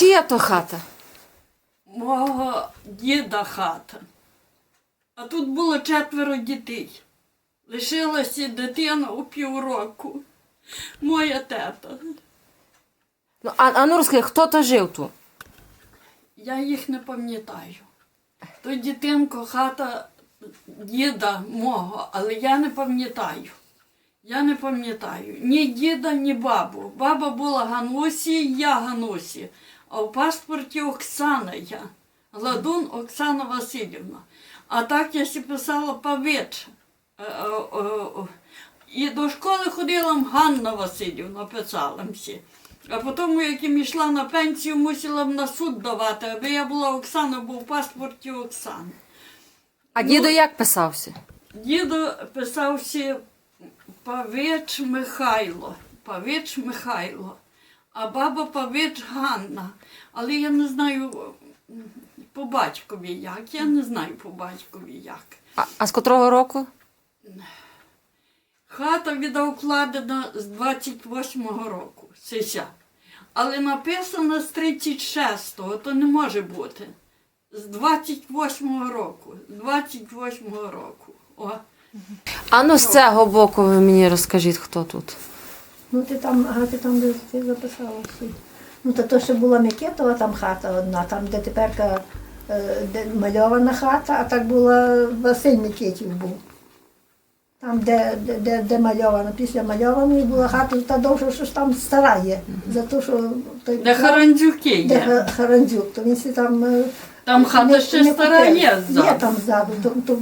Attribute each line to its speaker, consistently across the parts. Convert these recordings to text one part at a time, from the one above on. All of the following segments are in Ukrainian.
Speaker 1: Чия то хата?
Speaker 2: Мого діда хата. А тут було 4 дітей. Лишилася дитина у півроку. Моя тета.
Speaker 1: Ну, а ну розкажи, хто то жив тут?
Speaker 2: Я їх не пам'ятаю. То дитинко хата діда мого, але я не пам'ятаю. Я не пам'ятаю. Ні діда, ні бабу. Баба була Ганусі, я Ганусі. А в паспорті Оксана я. Гладун Оксана Васильівна. А так я ще писала Павич. І до школи ходила Ганна Васильівна, писала всі. А потім, як я йшла на пенсію, мусила на суд давати, аби я була Оксана, бо в паспорті Оксана.
Speaker 1: А дідо як писався?
Speaker 2: Дідо писався Павич Михайло. Павич Михайло. А баба Павич Ганна. Але я не знаю по батькові як. Я не знаю по батькові як.
Speaker 1: А з котрого року?
Speaker 2: Хата відокладена з 28-го року. Сися. Але написано з 36-го, то не може бути. З 28-го року. З 28-го року. О.
Speaker 1: А ну з цього боку ви мені розкажіть, хто тут.
Speaker 3: Ну ти там де ти записала всі. Ну то ще була Микитова там хата одна, там де тепер де мальована хата, а так була Василь Микитів був. Там, де мальована, після мальованої була хата, та довше, що ж там стара є. За те, що
Speaker 2: Де Харандзюки є.
Speaker 3: Де Харандзюк, то він всі там...
Speaker 2: Там хата ще стара є ззаду.
Speaker 3: Є там ззаду,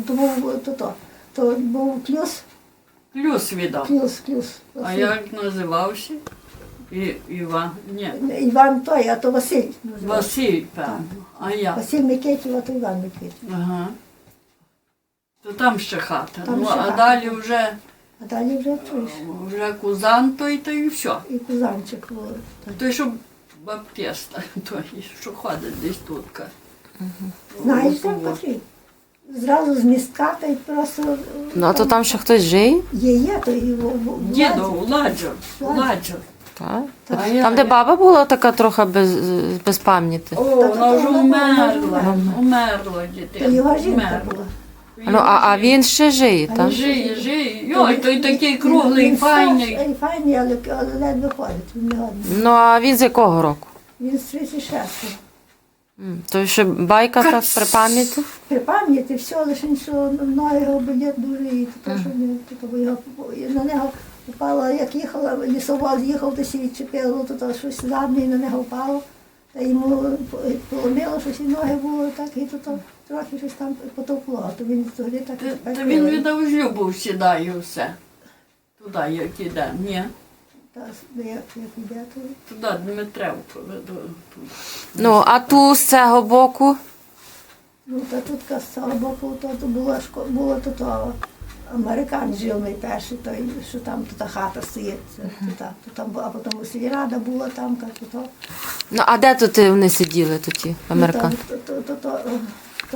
Speaker 3: то був плюс.
Speaker 2: Плюс віддав.
Speaker 3: Плюс.
Speaker 2: А як називався? Іван. Ні.
Speaker 3: Іван той, а то Василь називався.
Speaker 2: Василь, певно. А я.
Speaker 3: Василь Микитів, а то Іван Микитів.
Speaker 2: Ага. То там ще хата.
Speaker 3: Там
Speaker 2: ну,
Speaker 3: ще
Speaker 2: а
Speaker 3: хата.
Speaker 2: далі вже,
Speaker 3: А далі вже чуєш.
Speaker 2: вже Кузан той, то і все.
Speaker 3: І Кузанчик був.
Speaker 2: Той, що баптиста, той, що ходить десь тут.
Speaker 3: Знаєш, там такий? Зразу з містка, та й просто...
Speaker 1: Ну, а то там ще хтось жив?
Speaker 3: Є, то і
Speaker 2: Дідо, Ладжо.
Speaker 1: Так.
Speaker 3: Так.
Speaker 1: Там, де баба була така трохи без пам'яті.
Speaker 2: О, вона вже умерла,
Speaker 3: То
Speaker 2: дитина.
Speaker 3: його жінка
Speaker 2: Умерла.
Speaker 3: була.
Speaker 1: Ну, а він ще жиє, так?
Speaker 2: Жиє. Йой, той такий круглий, файний.
Speaker 3: Він файний, але ледве ходить, він не годний.
Speaker 1: Ну, а він з якого року?
Speaker 3: Він з 36-го.
Speaker 1: То ще байка так при пам'яті?
Speaker 3: При пам'яті все, лише що ноги його болять дуже, і то, що на нього впало, як їхала, лісовоз їхав, то сі відчепило, то щось задне, і на нього впало. Та йому поломило, щось і ноги було, так, і то трохи щось там потовкло. То він тоді так і
Speaker 2: Та він віддав Любов сідає все. Туди, як іде. Ні.
Speaker 3: як іде, то...
Speaker 2: Туди Дмитревку веду.
Speaker 1: Ну, а ту з цього боку?
Speaker 3: Ну, та тут з цього боку то було то американець жив найперший, той, що там та хата стоїть. А потім сільрада була там, то.
Speaker 1: Ну, а де тут вони сиділи, ті американці?
Speaker 3: То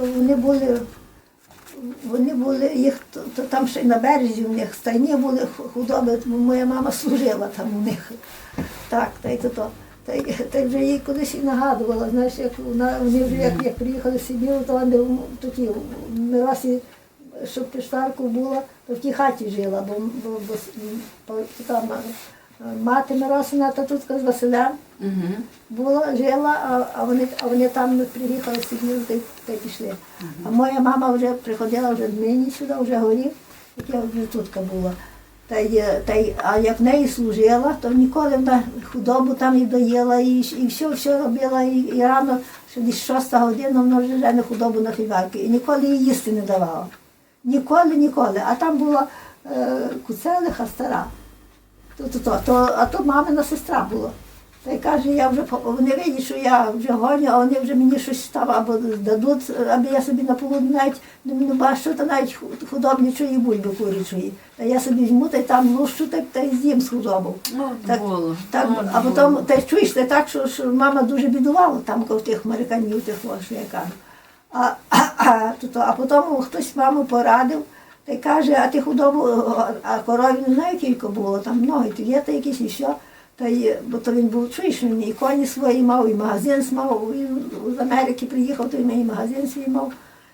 Speaker 3: вони були, їх там ще й на березі у них стайні були худоби, моя мама служила там у них. Так, та й то. Та й вже їй кудись і нагадувала, знаєш, як вони вже як приїхали з Сибіру, то вони такі, Миросі, щоб Піштарку була, то в тій хаті жила, бо там мати Миросина, та тут з Василем була, жила, а вони там приїхали з Сибіру, та й пішли. А моя мама вже приходила вже нині сюди, вже горів, як я вже тут була. А як в неї служила, то ніколи вона худобу там і доїла, і все робила, і рано, що десь 6 година вона вже жене худобу на фігарки. І ніколи їй їсти не давала. Ніколи. А там була Куцелиха стара. А то мамина сестра була. Та й каже, вони видять, що я вже гоню, а вони вже мені щось там або дадуть, аби я собі на полудні навіть не бачу, та навіть худобничої бульби курячої. Та я собі візьму, та й там лущу, та й з'їм з худобу. А потім, та й чуєш, та так, що мама дуже бідувала там, в тих американів, що я кажу. А потім хтось маму порадив, та й каже, а ти худобу, а корові не знаю, кілько було, там ноги, є та якісь і що. бо то він був, чуєш, він і коні свої мав, і магазин мав, він з Америки приїхав, то він і магазин свій мав.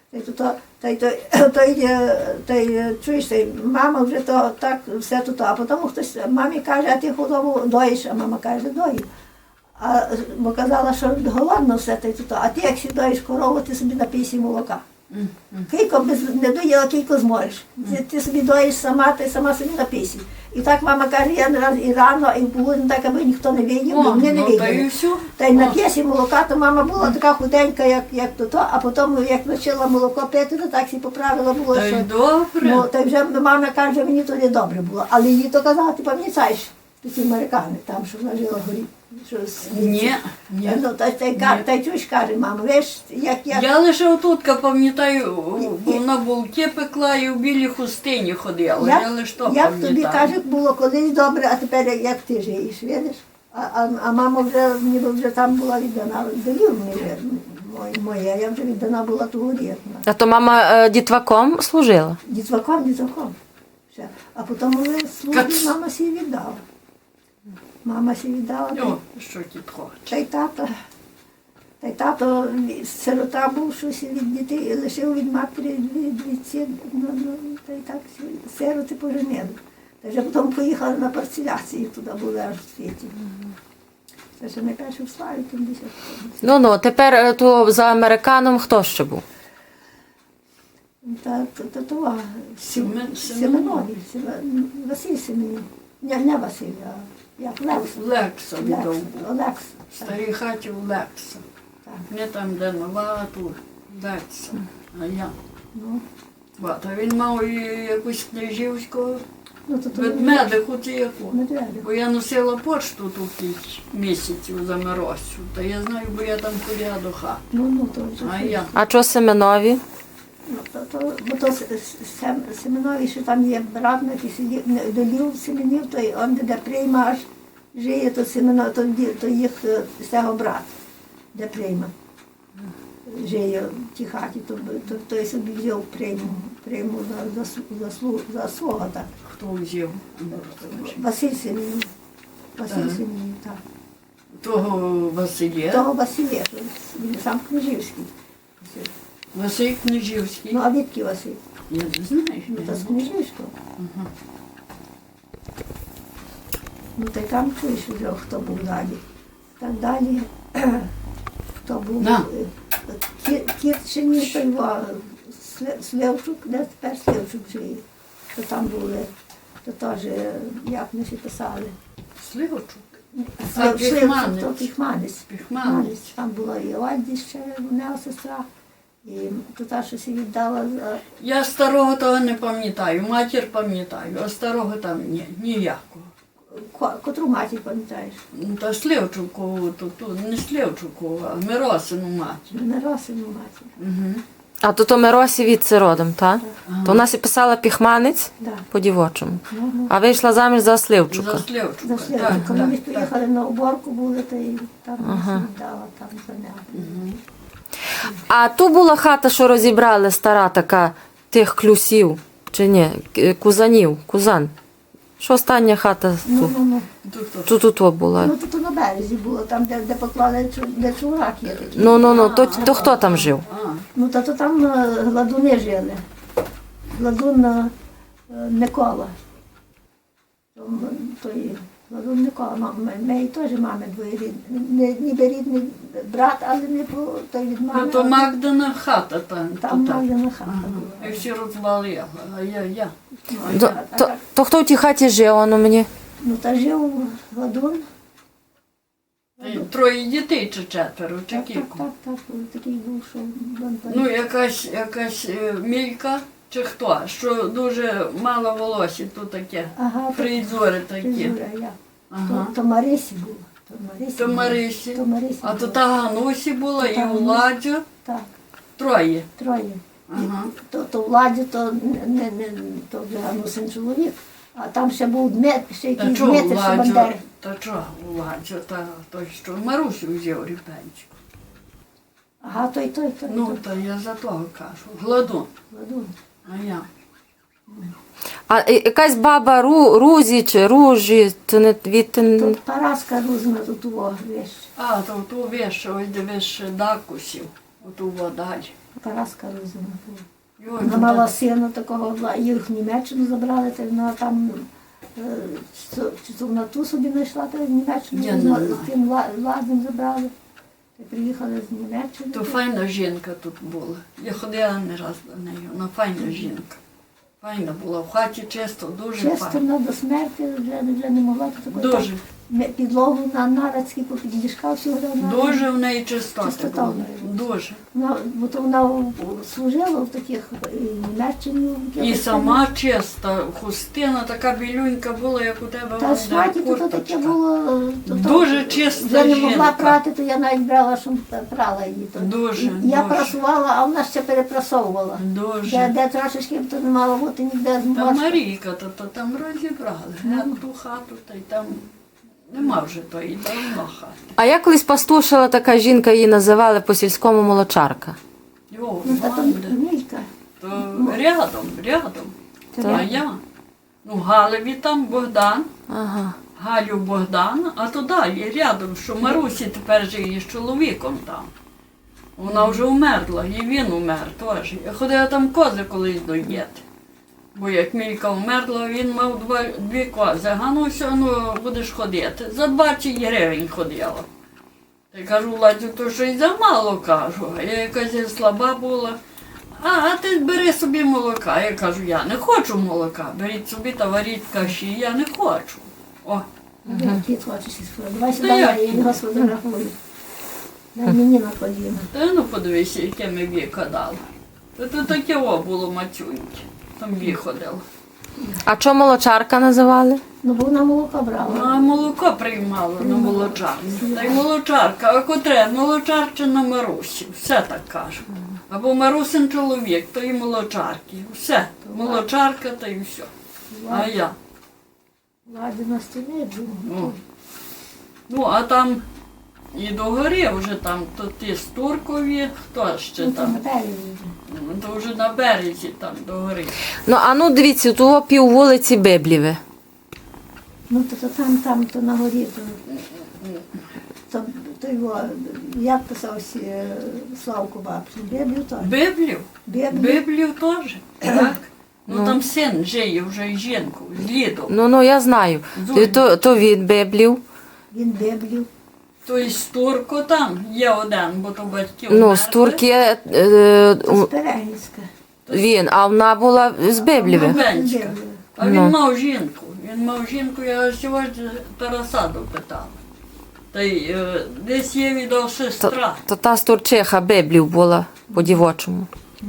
Speaker 3: Чуєш, мама вже то так все тут, а потім хтось мамі каже, а ти худобу доїш, а мама каже, дою. Бо казала, що голодно все, а ти як доїш корову, ти собі напійся молока. Кілько не доїла, кілько зможеш. Ти собі доїш сама, ти сама собі напійся. І так мама каже, я не раз і рано, і було так, аби ніхто не видів, бо вони не виділи. Та й нап'єсі молока, то мама була така худенька, як то, а потім, як почала молоко пити, то так всі поправила було,
Speaker 2: Та й
Speaker 3: що...
Speaker 2: добре.
Speaker 3: Ну, та й вже мама каже, мені то не добре було. Але їй то казала, ти пам'ятаєш, ті американи, там, що вона жила горі.
Speaker 2: Ні.
Speaker 3: Ну, та й чуєш, каже, мама, виш, як я...
Speaker 2: Я лише отутка пам'ятаю, вона булки пекла і в білій хустині ходила. Я лише то
Speaker 3: Як тобі,
Speaker 2: пам'ятаю.
Speaker 3: каже, було колись добре, а тепер як ти живеш, видиш? А мама вже, ніби вже там була віддана, долів моя, я вже віддана була ту горі.
Speaker 1: А то мама дітваком служила?
Speaker 3: Дітваком. Ще. А потім вони службі мама сі віддала. Мама сі віддала.
Speaker 2: О, що ті хоче.
Speaker 3: Та й тато сирота був, щось від дітей, лишив від матері та й так сироти поженили. Та вже потім поїхали на парцеляцію, туди були аж в світі. Це ще найперше в Славі, тим 10 років.
Speaker 1: Ну, тепер то за американом хто ще був?
Speaker 3: Семенові, Василь Семенів. Не Василь, а як
Speaker 2: Лекса віддав.
Speaker 3: Олекса.
Speaker 2: В старій хаті у Лекса. Не там, де нова, а тут Лекса. А я.
Speaker 3: Ну,
Speaker 2: А він мав і якусь княжівську
Speaker 3: то
Speaker 2: ведмедиху чи яку.
Speaker 3: Медведик.
Speaker 2: Бо я носила пошту тут кілька місяців за Миросю. Та я знаю, бо я там ходила до хати.
Speaker 3: То вже.
Speaker 2: А я.
Speaker 1: А чого Семенові?
Speaker 3: Бо то Семенові, що там є брат, який сидів, долів Семенів, то он де прийма аж жиє, то Семенов, то їх з цього брат, де прийма. Жиє в тій хаті, то той собі взяв прийму за свого, так.
Speaker 2: Хто взяв?
Speaker 3: Василь Семенів. Так.
Speaker 2: Того Василя.
Speaker 3: Того Василя, що він сам Княжівський.
Speaker 2: Василь Княжівський.
Speaker 3: Ну, а відки Василь?
Speaker 2: Я не знаю.
Speaker 3: Ну, то з Княжівського. Ну, та й там чуєш вже, хто був далі. Так далі, хто був
Speaker 2: Да.
Speaker 3: Кірчині, то його Слевчук, де тепер Слевчук живе. То там були, то теж, як ми ще писали.
Speaker 2: Сливочок.
Speaker 3: Слевчук, то Піхманець.
Speaker 2: Піхманець.
Speaker 3: Там була і Ольді ще, в нього сестра. І то та, що сі віддала.
Speaker 2: Я старого того не пам'ятаю, матір пам'ятаю, а старого там ніякого.
Speaker 3: Котру матір пам'ятаєш?
Speaker 2: Ну, та Сливчукову, то не Сливчукову, а Миросину матір.
Speaker 3: Миросину матір.
Speaker 2: Угу.
Speaker 1: А то Миросі відси родом, так? То вона сі писала Піхманець
Speaker 3: Да.
Speaker 1: по-дівочому.
Speaker 3: Ну,
Speaker 1: А вийшла заміж за Сливчука.
Speaker 2: За Сливчука.
Speaker 3: За Слевчука. Коли ми приїхали на уборку, були, то і там
Speaker 1: Ага.
Speaker 3: віддала, там за нього.
Speaker 1: А ту була хата, що розібрали, стара така, тих клюсів, чи ні, кузанів, кузан. Що остання хата тут?
Speaker 3: Ну.
Speaker 2: То хто?
Speaker 1: Тут була.
Speaker 3: Ну, тут на березі було, там, де поклали, де чурак є такий.
Speaker 1: Ну, то хто там жив?
Speaker 2: А,
Speaker 3: Ну, то там гладуни жили. Гладун Микола. Той гладун Микола, моєї теж мами двоєрідні. Ніби рідний брат, але не по той від мами.
Speaker 2: то Магдана хата там.
Speaker 3: Там
Speaker 2: то так.
Speaker 3: Магдана хата була.
Speaker 2: І всі розвалили, а я.
Speaker 1: То хто в тій хаті жив, воно мені?
Speaker 3: Ну, та жив гладун.
Speaker 2: Троє дітей чи четверо, чи
Speaker 3: Так,
Speaker 2: кілько.
Speaker 3: такий був, що...
Speaker 2: Ну, якась Мілька чи хто, що дуже мало волосся, то таке,
Speaker 3: Ага,
Speaker 2: фризури такі.
Speaker 3: Фризура, я.
Speaker 2: Ага.
Speaker 3: То Марисі була.
Speaker 2: То Марисі.
Speaker 3: То Марисі
Speaker 2: А то
Speaker 3: була.
Speaker 2: та Ганусі була,
Speaker 3: То
Speaker 2: і
Speaker 3: та Ганусі.
Speaker 2: Владю,
Speaker 3: Так,
Speaker 2: троє.
Speaker 3: троє.
Speaker 2: Ага.
Speaker 3: То Владі, то то вже Ганусин чоловік. А там ще був ще
Speaker 2: Та
Speaker 3: якийсь
Speaker 2: чого
Speaker 3: Дмитр
Speaker 2: Владю?
Speaker 3: Шабандери.
Speaker 2: Та чого Владю? Та той, що Марусю взяв ріпенчик.
Speaker 3: Ага, той.
Speaker 2: Ну, то я за того кажу. Гладун.
Speaker 3: Гладун.
Speaker 2: А я.
Speaker 1: А якась баба Рузі чи Ружі, то не від...
Speaker 3: Тут Параска Рузна, тут увага, вещь.
Speaker 2: А, то ту виш, ось дивиш дакусів, оту водаль.
Speaker 3: Параска Рузна була. Вона мала сина такого, їх в Німеччину забрали, та вона там, чи то вона ту собі знайшла, та в Німеччину
Speaker 2: Я не знаю.
Speaker 3: з тим ладом забрали. Та приїхали з Німеччини.
Speaker 2: То файна жінка тут була. Я ходила не раз до неї, вона файна жінка. Файна була, в хаті чисто, дуже
Speaker 3: Чисто
Speaker 2: файна.
Speaker 3: вона до смерті вже не могла. то такої
Speaker 2: Дуже,
Speaker 3: так, підлогу на нарацькі попід ліжка всього.
Speaker 2: дуже в неї чистота
Speaker 3: Чистота
Speaker 2: була.
Speaker 3: в неї.
Speaker 2: Дуже.
Speaker 3: Бо то вона служила в таких Німеччині.
Speaker 2: І сама чиста, хустина така білюнька була, як у тебе
Speaker 3: Та
Speaker 2: вон,
Speaker 3: сваті то таке
Speaker 2: курточка.
Speaker 3: було.
Speaker 2: Дуже чиста
Speaker 3: Вже не могла
Speaker 2: жінка.
Speaker 3: прати, то я навіть брала, щоб прала її. То.
Speaker 2: Дуже,
Speaker 3: І я
Speaker 2: дуже.
Speaker 3: прасувала, а вона ще перепрасовувала.
Speaker 2: Дуже.
Speaker 3: Де трошечки то не мало бути ніде
Speaker 2: Та
Speaker 3: зможеш.
Speaker 2: Марійка, то там розібрали. Ту хату, та й там нема вже тої давно хати.
Speaker 1: А я колись пастушила така жінка, її називали по-сільському молочарка.
Speaker 2: Йо,
Speaker 3: Ну, та то
Speaker 2: мамде.
Speaker 3: Мілька.
Speaker 2: То рядом.
Speaker 3: Це
Speaker 2: А я. Ну, Галеві там Богдан,
Speaker 1: Ага.
Speaker 2: Галю Богдан, а то далі рядом, що Марусі тепер живе з чоловіком там. Вона вже умерла, і він умер теж. Я ходила там кози колись доїти. Бо як Мілька вмерла, він мав дві кози. А ну все, ну будеш ходити. За 20 гривень ходила. Та й кажу, Ладю, то щось замало, кажу. А я якась слаба була. А ти бери собі молока. Я кажу, я не хочу молока. Беріть собі та варіть каші, я не хочу. О,
Speaker 3: Кіт хочеш із Давай сюди,
Speaker 2: Та
Speaker 3: я
Speaker 2: як?
Speaker 3: його сфотографую. Дай мені на коліна.
Speaker 2: та ну подивися, яке ми віко дали. То таке о було мацюньке. Там ходило.
Speaker 1: А чого молочарка називали?
Speaker 3: Ну, бо вона молоко брала.
Speaker 2: А молоко приймала на молочарці. Та й молочарка, а котре молочарчина Марусі. Все так кажуть. Або Марусин чоловік, то і молочарки. Все. Молочарка, та й все. А я.
Speaker 3: Ладі на стіні
Speaker 2: Ну, ну а там і догори вже там, то ті Стуркові, хто ще
Speaker 3: Ну,
Speaker 2: там.
Speaker 3: там березі.
Speaker 2: Ну, то вже на березі там догори.
Speaker 1: Ну, а ну дивіться, того пів вулиці Библіве.
Speaker 3: Ну, то там, то на горі, то його, як писався Славко Бабчин, Біблію теж.
Speaker 2: Библію?
Speaker 3: Біблію.
Speaker 2: Библію теж, так? Ну там син жиє вже і жінку, з Лідом.
Speaker 1: Ну, я знаю.
Speaker 2: Зоня.
Speaker 1: То від Библів.
Speaker 3: Він Біблію.
Speaker 2: То й Стурко там є один, бо то батьків
Speaker 1: Ну,
Speaker 2: вмерли.
Speaker 1: з Турки
Speaker 3: То з Перегінська.
Speaker 1: він, а вона була з Библіве.
Speaker 2: Бабенська.
Speaker 3: Біблію.
Speaker 2: А він
Speaker 1: Ну.
Speaker 2: мав жінку. Він мав жінку, я сьогодні Тараса допитала. Та й десь є відео сестра.
Speaker 1: То та Стурчиха Библів була по-дівочому.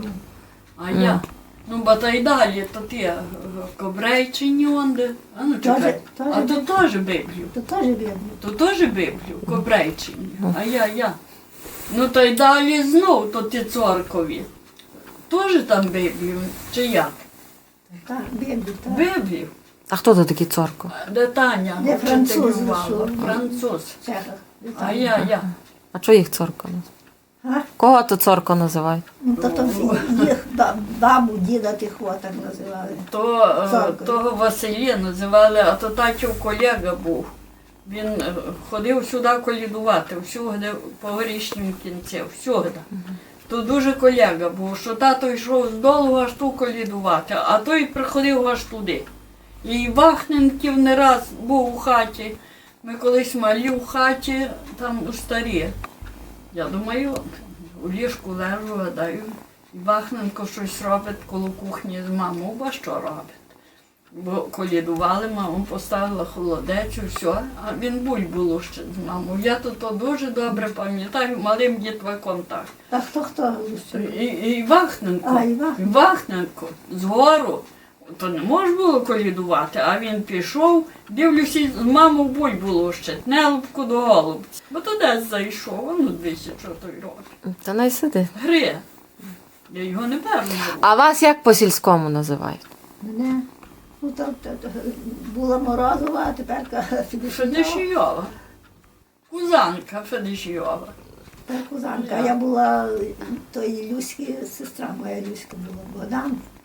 Speaker 2: А я. Ну, бо та й далі, то ти Кобрейчині онде. А ну чекай.
Speaker 3: Теж
Speaker 2: А то теж Библію.
Speaker 3: То теж Біблію.
Speaker 2: То теж Библію, Кобрейчині. А я. Ну та й далі знов, то ті цоркові. Теж там Библію, чи як?
Speaker 3: Так, Біблію, так.
Speaker 2: Библію.
Speaker 1: А хто то такий цорко?
Speaker 2: Де Таня
Speaker 3: Де француз
Speaker 2: вчителювала.
Speaker 3: зайшов.
Speaker 2: Француз.
Speaker 3: В Чехах.
Speaker 2: А я.
Speaker 1: А чого їх цорко називають?
Speaker 3: А?
Speaker 1: Кого то цорко називають?
Speaker 3: Ну, то їх бабу, діда тих так називали. Цоркові.
Speaker 2: Того Василія називали, а то татів колега був. Він ходив сюди колідувати, всюди по горішнім кінці, всюди. То дуже колега був, що тато йшов з долу аж ту колідувати, а той приходив аж туди. І Вахненків не раз був у хаті. Ми колись малі в хаті, там старі. Я думаю, у ліжку лежу, гадаю, і Вахненко щось робить коло кухні з мамою, бо що робить? Бо колідували, мама поставила холодець, все, а він бульбу лущить з мамою. Я то дуже добре пам'ятаю, малим дітваком так.
Speaker 3: А хто лучше?
Speaker 2: І Вахненко,
Speaker 3: А, і Вахненко.
Speaker 2: Вахненко згору, то не можна було колідувати, а він пішов, дивлюся, з мамою бульбу лущить, нелубку до голубці. Бо то десь зайшов, ну дивіться, що той робить.
Speaker 1: Та не сиди.
Speaker 2: Гри. Я його не певно.
Speaker 1: А вас як по-сільському називають?
Speaker 3: Мене. Ну, то була Морозова, а тепер Федишова.
Speaker 2: Федишйова. Кузанка Федишйова.
Speaker 3: Тепер Кузанка. А я була той Люськи, сестра моя Люська була, Богдан.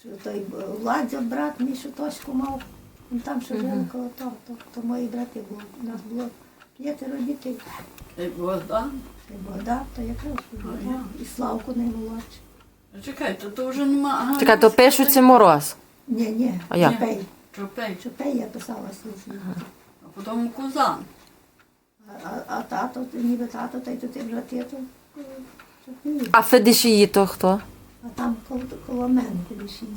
Speaker 3: той Владзя, брат мій, що Тоську мав, він там ще жив коло того, то мої брати були. У нас було 5 дітей.
Speaker 2: І Богдан.
Speaker 3: І Богдан, то якраз Богдан, і Славку наймолодший.
Speaker 2: Чекайте, то вже нема. Ага,
Speaker 1: Чекай, то пишуться Мороз.
Speaker 3: Ні,
Speaker 1: А як?
Speaker 3: Чопей.
Speaker 2: Чопей,
Speaker 3: Чопей я писала слухи.
Speaker 2: а потім Кузан.
Speaker 3: А тато, ніби тато, та й то ти брати, то Чопей.
Speaker 1: А Федишії то хто?
Speaker 3: А там коло мене Федишії.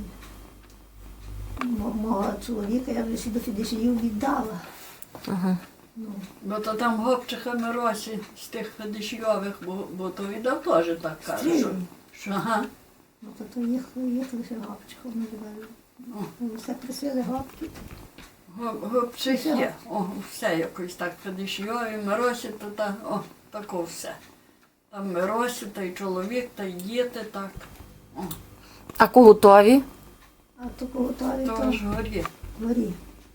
Speaker 3: Мого чоловіка я вже всі до Федишіїв віддала.
Speaker 1: Ага.
Speaker 3: Ну,
Speaker 2: Бо то там Гопчиха Миросі з тих Федишйових, бо то віддав теж так каже. Що,
Speaker 3: Стрілю.
Speaker 2: що ага.
Speaker 3: ну то їх лише гопчихом називали. Ну, все просили гопки.
Speaker 2: Гопчих є. О, все якось так Федишйові, Миросі, то та, о, тако все. Там Миросі, та й чоловік, та й діти, так. О,
Speaker 1: А Кугутові?
Speaker 3: А то готові
Speaker 2: то
Speaker 3: то
Speaker 2: ж горі.
Speaker 3: горі.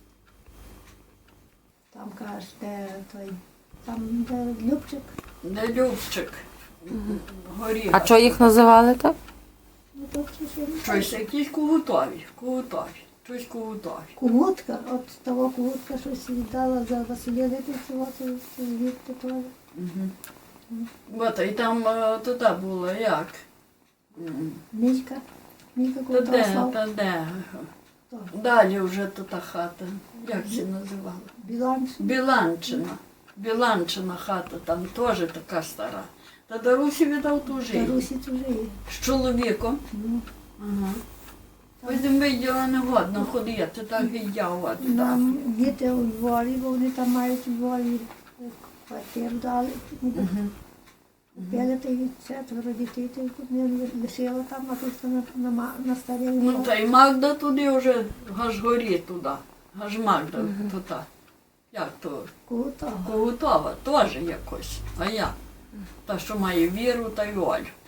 Speaker 3: Там кажеш, де той, там де Любчик.
Speaker 2: Де Любчик. Горі.
Speaker 1: А що їх називали так?
Speaker 3: Ну то ще
Speaker 2: Щось якісь кугутові. Щось кугутові.
Speaker 3: Кугутка, от того кугутка щось віддала за Василя Липівцева, то звідти теж.
Speaker 2: Бо та й там туди було як?
Speaker 3: Мілька. Мілька
Speaker 2: Та
Speaker 3: Кугутова
Speaker 2: де,
Speaker 3: Славка.
Speaker 2: та де?
Speaker 3: То.
Speaker 2: Далі вже то та хата. Як це називала?
Speaker 3: Біланш.
Speaker 2: Біланчина. Біланчина хата, там теж така стара. Та Дарусі віддав ту
Speaker 3: Та
Speaker 2: жию.
Speaker 3: Русі чужі.
Speaker 2: З чоловіком.
Speaker 3: Ну,
Speaker 2: Ага. Потім виділа не годно ходити, так і я от.
Speaker 3: нам діти у Львові, бо вони там мають у Львові квартиру дали. Купили та й 4 дітей, та й тут не лишила там, а тут на старі
Speaker 2: Ну
Speaker 3: Львов.
Speaker 2: та й Магда туди вже, аж горі туди. Аж Магда туди. Як то?
Speaker 3: Кугутова.
Speaker 2: Когутова теж якось. А я? Та, що має Віру та й Олю.